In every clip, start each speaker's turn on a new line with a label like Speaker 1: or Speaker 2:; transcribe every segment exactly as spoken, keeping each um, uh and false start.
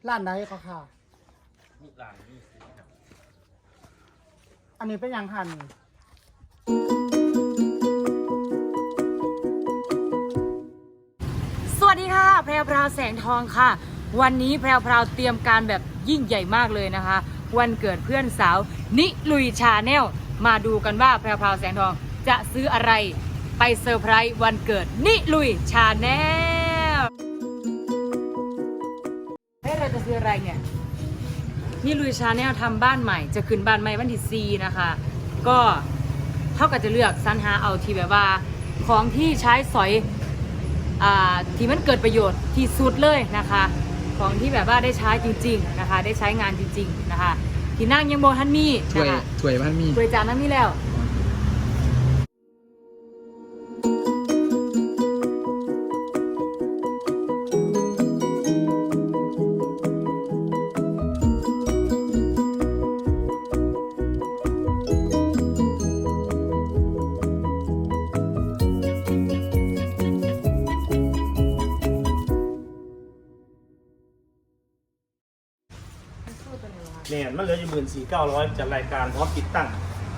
Speaker 1: ร้านไหนก็ค่ะ
Speaker 2: ลูกหลานนี่
Speaker 1: อันนี้เป็นยังหัน
Speaker 3: สวัสดีค่ะแพรวพราวแสงทองค่ะวันนี้แพรวพราวเตรียมการแบบยิ่งใหญ่มากเลยนะคะวันเกิดเพื่อนสาวนิลุยชาแนลมาดูกันว่าแพรวพราวแสงทองจะซื้ออะไรไปเซอร์ไพรส์วันเกิดนิลุยชาแนลเฮ้ยเราจะซื้ออะไรเนี่ยนิลุยชาแนลทำบ้านใหม่จะขึ้นบ้านใหม่วันที่สี่นะคะก็เท่ากับจะเลือกสรรหาเอาที่แบบว่าของที่ใช้สอยที่มันเกิดประโยชน์ที่สุดเลยนะคะของที่แบบว่าได้ใช้จริงๆนะคะได้ใช้งานจริงๆนะคะที่นั่งยังโบทันมี
Speaker 4: ถ้วยถ้วยพันมี
Speaker 3: ถ้วยจานนั้นมีแล้ว
Speaker 2: เนี่ยมันเหลืออยู่หมื่นสี่เก้าร้อยจากรายการพร้อมติดตั้ง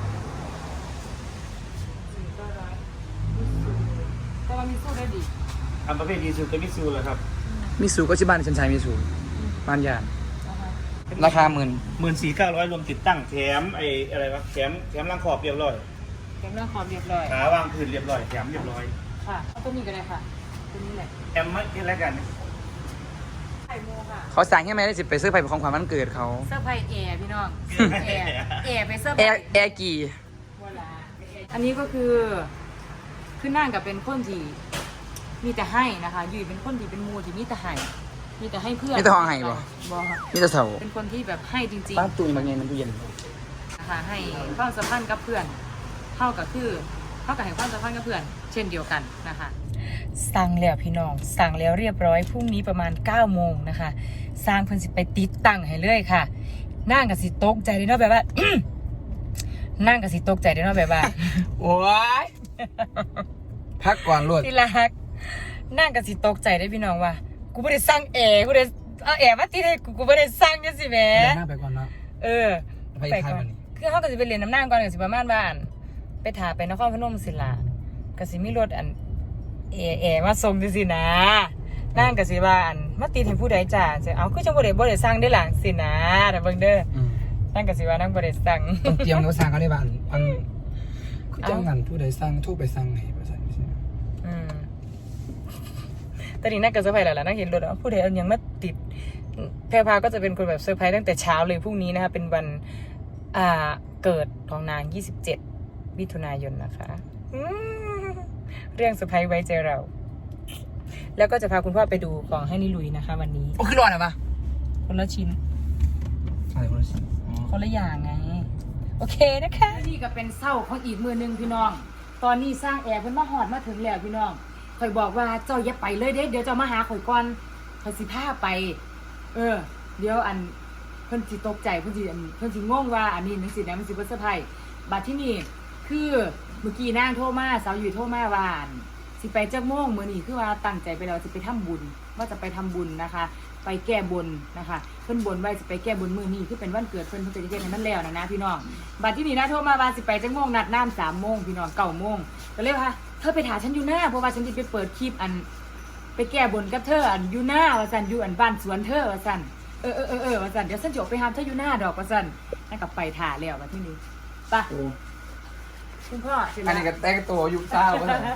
Speaker 3: แต่ว่ามีสู้ได้ดี
Speaker 2: อันประเภทดีซูกับมิซูเลยครับ
Speaker 4: มิสูก็ชื่อบ้านฉันใช้มิสูบ้านยานราคาหมื่น
Speaker 2: หมื่นสี่เก้าร้อยรวมติดตั้งแถมไอ้อะไรวะแถมแถมรังขอบเรียบร้อย
Speaker 3: แถมรังขอบเรียบร้อย
Speaker 2: ขาวางพื้นเรียบร้อยแถมเรียบร้อย
Speaker 3: ค่ะเอาตัวนี้ก็ได้ค่ะตัวนี้แหละ
Speaker 2: แถมไม่แค่ไรกัน
Speaker 4: เขาสั่งให้ไหมได้สิไปซื้อไผ่ของขวัญวันเกิดเขา
Speaker 3: เสื้อไผ่แอร์พี่น้องแอร์แอร์ไปเสื้อ
Speaker 4: แอร์แอร์กี่
Speaker 3: อันนี้ก็คือคือนั่งกับเป็นคนที่มีแต่ให้นะคะอยู่เป็นคนที่เป็นมูที่มีแต่ให้มีแต่ให้เพื่อน
Speaker 4: มีแต่ห้องให้บ่
Speaker 3: บ่
Speaker 4: มีแต่เสา
Speaker 3: เป็นคนที่แบบให้จริง
Speaker 4: ๆตั้งตู้บางไงมันตู้เย็น
Speaker 3: นะคะให้ความสัมพันธ์กับเพื่อนเท่ากับคือเท่ากับให้ความสัมพันธ์กับเพื่อนเช่นเดียวกันนะคะสั่งแล้วพี่น้องสั่งแล้วเรียบร้อยพรุ่งนี้ประมาณเก้าโมงนะคะสร้างเพิ่นสิไปติดตั้งให้เลยค่ะนั่งกับสิตกใจเลยเนาะแบบว่านั่งกับสิตกใจเลยเนาะแบบว่า
Speaker 4: โอ้ยพักก่อนรวด
Speaker 3: ที่รักนั่งกับสิตกใจได้พี่น้องว่ากูไม่ได้สั่งแอร์กูได้เอาแอร์มาติดให้กูกูไม่ได้สั่งจังสิแม่
Speaker 4: นั่งไปก่อนเนาะ
Speaker 3: เออไปก่อนคือเขาก็จะไปเรียนน้ำนั่งก่อนกับสิประมาณบ้านไปถ่าไปนครพนมศิลาก็สิมีรถอันเอเอมาส่งจังสินะนั่งกับสิบ้านมาติดให้ผู้ใดจ่าจะเอาคือจังบ่ได้บ่ได้สั่งได้หลังสินะแต่เบิ่งเด้อนั่งกับสิว่านั่งบ่ได้สั่ง
Speaker 4: ต้องเตรียมเนื้อสั่งเขาได้บ้านอันคือจังงั้นผู้ใดสั่งทู่ไปสั่งให้บ่สั่งสิ
Speaker 3: อืมตอนนี้นั่งกับเซอร์ไพรส์แล้วล่ะนั่งเห็นรถอ่ะผู้ใดเอายังมาติดแพรพาก็จะเป็นคนแบบเซอร์ไพรส์ตั้งแต่เช้าเลยพรุ่งนี้นะคะเป็นวันอ่าเกิดของนางยี่สิบเจ็ดมิถุนายนนะคะเรื่องเซอร์ไพรส์ไว้ใจเราแล้วก็จะพาคุณพ่อไปดูของให้นิลุยนะคะวันนี้
Speaker 4: โอ้คือร้อนอ่ะปะ
Speaker 3: คนละชิ้น
Speaker 4: อะไรคนละชิ้น
Speaker 3: คนละอย่างไงโอเคนะคะนี่ก็เป็นเศร้าของอีกมือหนึ่งพี่น้องตอนนี้สร้างแอร์เพิ่นมาหอดมาถึงแล้วพี่น้องข่อยบอกว่าเจ้าอย่าไปเลยเด้เดี๋ยวเจ้ามาหาข่อยก่อนข่อยสิพาไปเออเดี๋ยวอันเพิ่นสิตกใจเพิ่นสิเพิ่นสิงงว่าอันนี้มันสินะมันสิบ่เซอร์ไพรส์บัดที่นี่คือเมื่อกี้นางโทรมาสาวอยู่โทรมาว่าสิไปจักโมงมื้อนี้คือว่าตั้งใจไปแล้วสิไปทำบุญว่าจะไปทำบุญนะคะไปแก้บนนะคะเพิ่นบนไว้สิไปแก้บนมื้อนี้คือเป็นวันเกิดเพิ่นเพิ่นจะเฮ็ดให้มันแล้วนะนะพี่น้องบัดที่นี่นะโทรมาว่าสิไปจักโมงนัดน้ำสามโมงพี่น้องเก้าโมงก็เลยว่าเธอไปถามฉันอยู่หน้าเพราะว่าฉันจะไปเปิดคลิปอันไปแก้บนกับเธออันอยู่หน้าว่าซั่นอยู่อันบ้านสวนเธอว่าซั่นเออเออเออเออว่าซั่นเดี๋ยวฉันจะออกไปหาเธออยู่หน้าดอกว่าซั่นนั่นก็ไปถ่าแล้วบัดที่นี้ไปคุณพ่อ
Speaker 4: อันนี้ก็แต่งตัวยุคเช้าก็ได้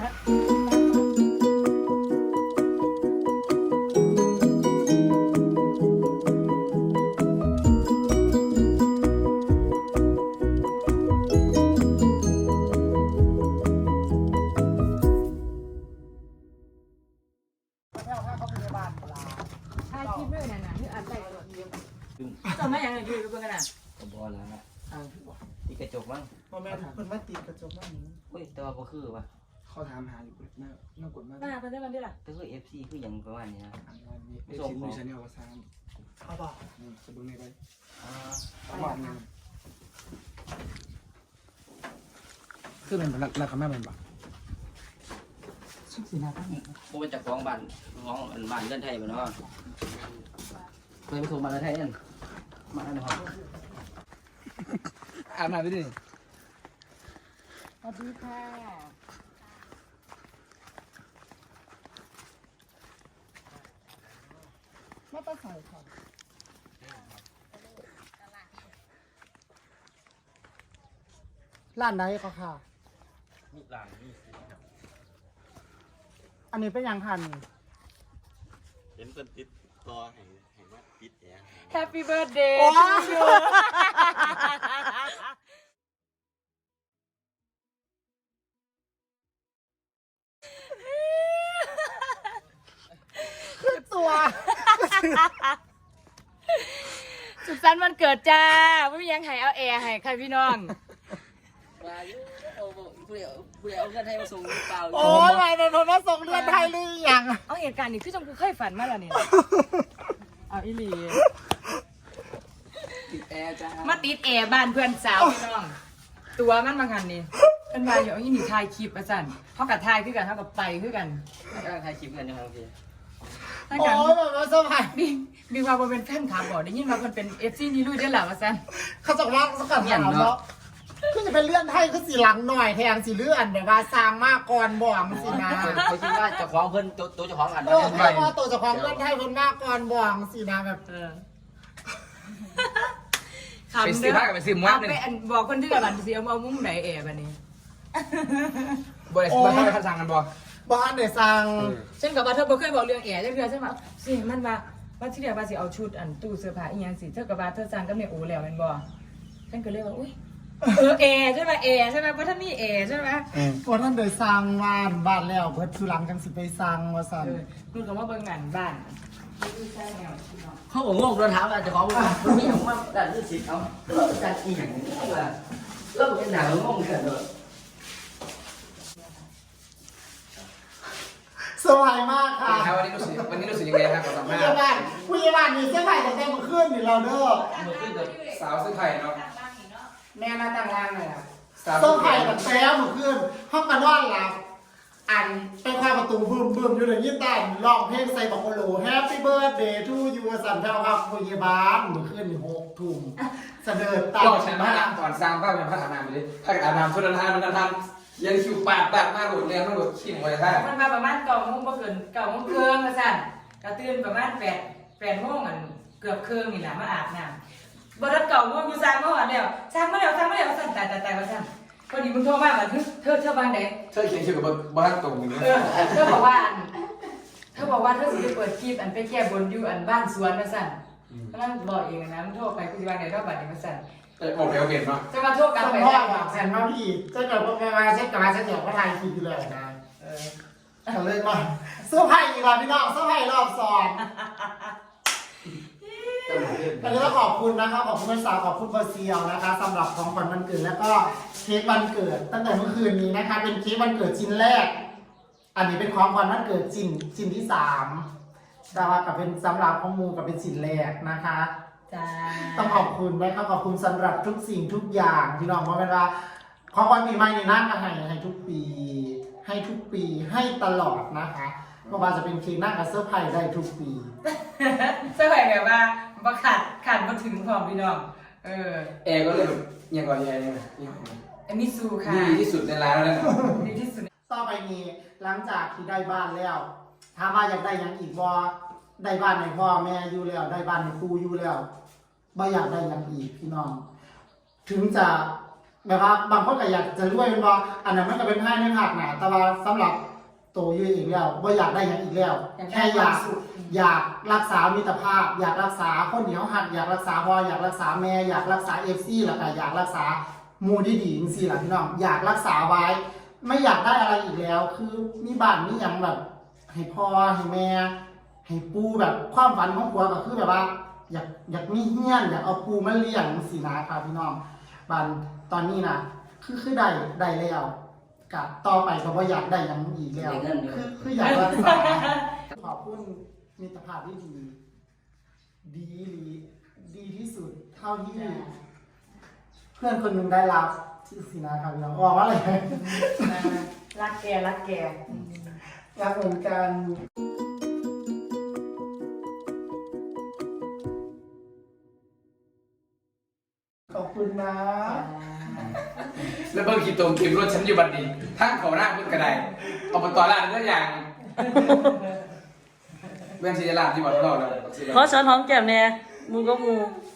Speaker 3: ถ่ายคลิปด้วยนั่นน่ะนี่อัดใส่กระโดดจำไม่ยังไงอยู่กับเพื่อนกันน่ะ
Speaker 5: ก็บ่แล้วนะที่กระจกมั้ง
Speaker 1: พ่อแม่เพิ่นมาตีกระจกบ้านนี้
Speaker 5: เฮ้ยแต่ว่าบ่คือว่ะ
Speaker 4: เขาถามหาอยู่น่าน่ากดมาก
Speaker 3: หน้าเพิ่นได้มันได้ล่ะ
Speaker 5: แต่คือ เอฟ ซี คือหยังประมาณนี้นะ
Speaker 4: ไม่ส่งของฉันเนี่ยว่าซ้
Speaker 1: ำเขาบอก
Speaker 4: สะดุ้งในไป
Speaker 5: อ่า
Speaker 4: ประมาณนึงคือเป็นราคาแม่เป็นแบบ
Speaker 3: ชุดสีหน้าตั้งเอง
Speaker 5: บ่เป็นจากของบ้านของบ้านเรือนไทยบ่เนาะเคยไปส่งมาแล้วไทยนั่นมาแล้วนะครับ
Speaker 4: อาบน้ำไปดิ
Speaker 3: สวัสดีค่ะไม่ต้องใส่ค่ะ
Speaker 1: ร้านไหนก็ค่ะ
Speaker 2: มีหลานมีสิครับ
Speaker 1: อันนี้เป็นหยังหัน
Speaker 6: เห็นคนติดต่อให้ให้มาติดแอร์ให้
Speaker 3: Happy birthday
Speaker 1: โอ้
Speaker 3: to you
Speaker 1: ตัว
Speaker 3: สุขสันต์วันเกิดจ้าไม่มียังให้เอาแอร์ให้ค่ะพี่น้อง
Speaker 5: ว่าอยู่เอาผู้เดียวผู้เดียวเอาเงินให้มาส่งหรือเปล่า
Speaker 1: โอ้ยไม่เป็นผมว่าส่งเรือนไทยหรือยัง
Speaker 3: เอาเหตุการณ์นี้คือจงกูเคยฝันมาแล้วเนี่ยเอาอีหลี
Speaker 5: ติดแอร์จ้า
Speaker 3: มาติดแอร์บ้านเพื่อนสาวพี่น้อง ตัวมันบางคันนี่เป็นมาอยู่เอาอีนี่ถ่ายคลิปมาสั่นเท่ากับถ่ายคือกันเท่ากับไปคือกัน
Speaker 5: กำลังถ่ายคลิปกันอยู่ครับพี่
Speaker 3: ถ้า
Speaker 1: โอ้
Speaker 3: กัน
Speaker 1: ยแบบว่าสบาย
Speaker 3: มีมีว่าบ่เป็นแฟนคลับบอกได้ยินว่ามันเป็นเอฟซีนี่ลุยได้หรอมาสั่น
Speaker 1: เขาจะว่าสกัดถามเนาะคือจะเป็นเลื่อนไทยคือสีหลังหน่อยแทงสีเลื่อนแบบว่าสร้างมากก่อนบ่องสินะ
Speaker 5: เขาคิดว่าเจ้าของเพิ่นตัวตัวเจ้าของอัน
Speaker 1: เออเพราะว่าตัวเจ้าของเลื่อนไทยคนมากก่อนบ่องสินะแบบ
Speaker 3: เออ
Speaker 4: ไปซื้อผ้ากับไปซื้อหมวก
Speaker 3: เอา
Speaker 4: หนึ่ง
Speaker 3: ไปอันบอกคนที่กับบันสิเอาเอามุ้งไหนแอร์บันนี้
Speaker 4: บริษัทเขาไปสั่งกันบ่
Speaker 1: บ้านเดี๋ยวสั่ง
Speaker 3: ฉันกับว่าเธอบ่เคยบอกเรื่องแอร์จังเทื่อใช่ไหมสิมันว่าว่าที่เดียวว่าสิเอาชุดอันตู้เสื้อผ้าอีหยังสิเธอกับว่าเธอสั่งกับเนี่ยโอ้แล้วแม่นบ่ฉันก็เลยว่าอุ้ยเออแอร์ใช่ไหมแอร์ใช่ไหมเพราะท่านมีแอร์ใช่ไหม
Speaker 1: พอท่านเดี๋ยวสั่งบ้านบ้านแล้วเพิ่นสุหลังกันสิไปสั่งว่าสั่ง
Speaker 3: เออคุณก็มาเบิ่งงานบ้าน
Speaker 5: เขาบอกงงโดนถามว่าเจ้าของมันมีอย่างว่าด้านนี้สิเอาแล้วด้านอีหยังว่าแล้วเป็นหนังงงกันเลย
Speaker 1: สบายมากค่ะ
Speaker 4: วันนี้รู้สึกวันนี้รู้สึกยังไงครับกับสัม
Speaker 1: ผู้
Speaker 4: ภา
Speaker 1: ใหญ่
Speaker 4: ษณ์
Speaker 1: บ้านผู้ใหญ่บ้านนี่เสื้อผ้าแต่แต่งมาขึ้นนี่เราเด้อ
Speaker 5: เมื่อคืนกับ
Speaker 4: สาวซื้อไข่เนาะ
Speaker 1: แม่น่าต่างล่างเลยอ่ะ
Speaker 4: สาว
Speaker 1: เสื้อผ้าแต่แต่มาขึ้นห้องกันนอนหลับอันไปคว้าประตูบึ้มบึ้มอยู่เลยยิ่งได้ร้องเพลงใส่บอกโอโล Happy Birthday to you สันแพรวครับผู้ใหญ่บ้านเมื่อคืนนี่หกทุ่มเสด็จตาม
Speaker 4: เราใช้ผ้าอาบก่อนสร้างผ้าเป็นผ้าอาบน้ำไปเลยผ้าอาบน้ำชุดนั้นทานนั้นทานยังคิวปาดปาดมากหลุดเรียนมากหลุดขี้หมวยท่า
Speaker 3: มันมาประมาณเก้าโมงบ่เกินเก้าโมงครึ่งมาสั่นก็ตื่นประมาณแปดแปดโมงอันเกือบครึ่งนี่แหละมาอาบน้ำบ่ทันเก้าโมงอยู่สร้างมาหอดแล้วสร้างมาแล้วสร้างมาแล้วสั่นตายตายตายว่าสั่นพอดีมึงโทรมาว่าเธอเธอเธอบ้านไหน
Speaker 4: เธอเขียนคิวกับบ้านตรงนี้
Speaker 3: เออเธอบอกว่าอันเธอบอกว่าเธอสิไปเปิดคลิปอันไปแก้บนอยู่อันบ้านสวนมาสั่นกำลังบอกเองนะมึงโทรไปกูสิว่าไหนรอบบัดนี้มาสั่น
Speaker 4: โอเคโอเคเนาะ
Speaker 3: จะมาโทรกลับ
Speaker 1: สม
Speaker 3: ไป
Speaker 1: พ่อ
Speaker 3: ได้
Speaker 1: บอกแซนว่าพี่เจ้าเกิดว่ามาเช็คกับมาเช็คเดี๋ยวก็ทายทีเลยนะ
Speaker 3: เออ
Speaker 1: เขาเลยมาเสื้อผ้าอีกแล้วพี่น้องเสื้อผ้ารอบสองอันนี้ก็ขอบคุณนะครับขอบคุณภาษาขอบคุณเบอร์เซียวนะคะสำหรับของขวัญวันเกิดแล้วก็เค้กวันเกิด ตั้งแต่เมื่อคืนนี้นะคะเป็นเค้กวันเกิดชิ้นแรก อันนี้เป็นของขวัญวันเกิดชิ้นชิ้นที่สามแต่ว่ากับเป็นสำหรับของมูกับเป็นชิ้นแรกนะคะ
Speaker 3: จ้า
Speaker 1: ต้องขอบคุณนะครับขอบคุณสำหรับทุกสิ่งทุกอย่างที่น้องมาเป็นว่าของขวัญปีใหม่ในนั่นก็ให้ให้ทุกปี ให้ทุกปีให้ตลอดนะคะไม่ว่าจะเป็นเค้กนั่งกับเซอร์ไพรส์ได้ทุกปี
Speaker 3: เสื้อแบบแบบว่าบ่ขาดขาดบ่ถึงพร้อมพี่น้องเออ
Speaker 4: แอร์ก็เลยแบบยังก่อนแอร์ยัง
Speaker 3: อันนี้ซูค่ะ
Speaker 4: ดีที่สุดในร้านแล้วนะ
Speaker 3: ดีที่สุด
Speaker 1: ต่อไปนี้หลังจากที่ได้บ้านแล้วถามว่าอยากได้หยังอีกบ่ได้บ้านในพ่อแม่อยู่แล้ว ได้บ้านในครูอยู่แล้วบ่อยากได้หยังอีกพี่น้อง ถึงจะแบบว่าบางคนก็อยากจะรวยเป็นบ่อันนั้นมันก็เป็นให้ในภาคหน้าแต่ว่าสำหรับโตอยู่อีกแล้วบ่อยากได้หยังอีกแล้ว แค่อยากอยากรักษามิตรภาพ อยากรักษาคนเหนียวหักอยากรักษาพ่ออยากรักษาแม่อยากรักษาเอฟซีแล้วก็อยากรักษาหมู่ที่ดีจังซี่ล่ะพี่น้องอยากรักษาไว้ ไม่อยากได้อะไรอีกแล้ว คือมีบ้านมีหยังแบบ ให้พ่อให้แม่ ให้ปูแบบความฝันของผัวก็คือแบบว่า อยากอยากมีเฮี้ยนอยากเอาปูมาเลี้ยงสินะครับพี่น้องบ้านตอนนี้นะคือคือได้ได้แล้วกับต่อไปก็บ่อยากได้หยังอีกแล้วคือคืออยากรักษาขอบคุณมิตรภาพที่ดี ดีหรือดีที่สุดเท่าที่ เพื่อนคนหนึ่งได้รับที่สินะครับพี่น้องบอกว่าอะไร
Speaker 3: รักแกรักแก
Speaker 1: รักเหมือนกันคุณนะ
Speaker 4: แล้วเบิ่งขี่ตมเข็มรถฉันอยู่บัดนี้ทางเขาหน้าเพิ่นกระไดเอาไปต่อร้านเรื่องอย่างเรื่องศิลาที่บอกเราแล้ว
Speaker 7: ขอสอนหอมแก้มเนี่ยมูก็มู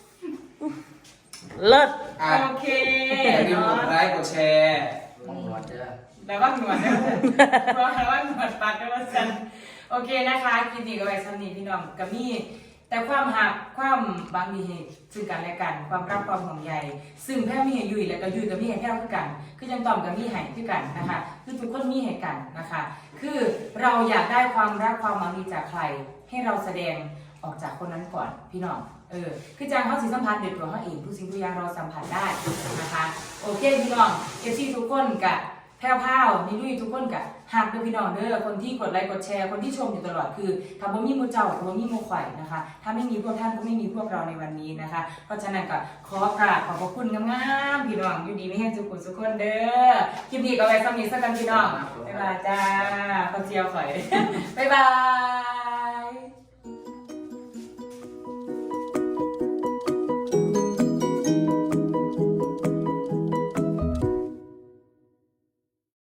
Speaker 7: เลิศ
Speaker 4: อ่ะ
Speaker 3: โอเค
Speaker 4: อย่าลืมกดไลค์กดแชร์
Speaker 5: มองหนวดเด้อ
Speaker 3: แล้วว่าหนวดนะเพราะว่าหนวดปากก็ว่าสันโอเคนะคะคลิปนี้ก็ไว้ซ้ำนี้พี่น้องกับมี่แต่ความหักความบางมีเหตุซึ่งกันและกันความรักความห่วงใยซึ่งแพ้มีให้ยุยแล้วก็ยุยกับมีให้แพ้คือกันคือยังตอมกับมีให้คือกันนะคะคือทุกคนมีให้กันนะคะ คือเราอยากได้ความรักความหวังดีจากใครให้เราแสดงออกจากคนนั้นก่อนพี่น้องเออคือจางเขาสิสัมผัสเด็ดตัวเขาเองทุกสิ่งทุกอย่างเราสัมผัสได้นะคะโอเคพี่น้องเอฟซีทุกคนกับแพ้วพาวนี่ลุยทุกคนกับหักด้วยพี่น้องเด้อคนที่กดไลค์กดแชร์คนที่ชมอยู่ตลอดคือทำบ่มีมูเจ้าทำบ่มีมูข่อยนะคะถ้าไม่มีพวกท่านก็ไม่มีพวกเราในวันนี้นะคะเพราะฉะนั้นก็ขอกราบขอบพระคุณงามๆพี่น้องอยู่ดีไม่แห้งสุขุสุขคนเด้อคลิปนี้ก็ไว้ซ้ำนี้สักกันพี่น้องบ๊ายบายจ้าคนเจียวข่อยบ๊ายบาย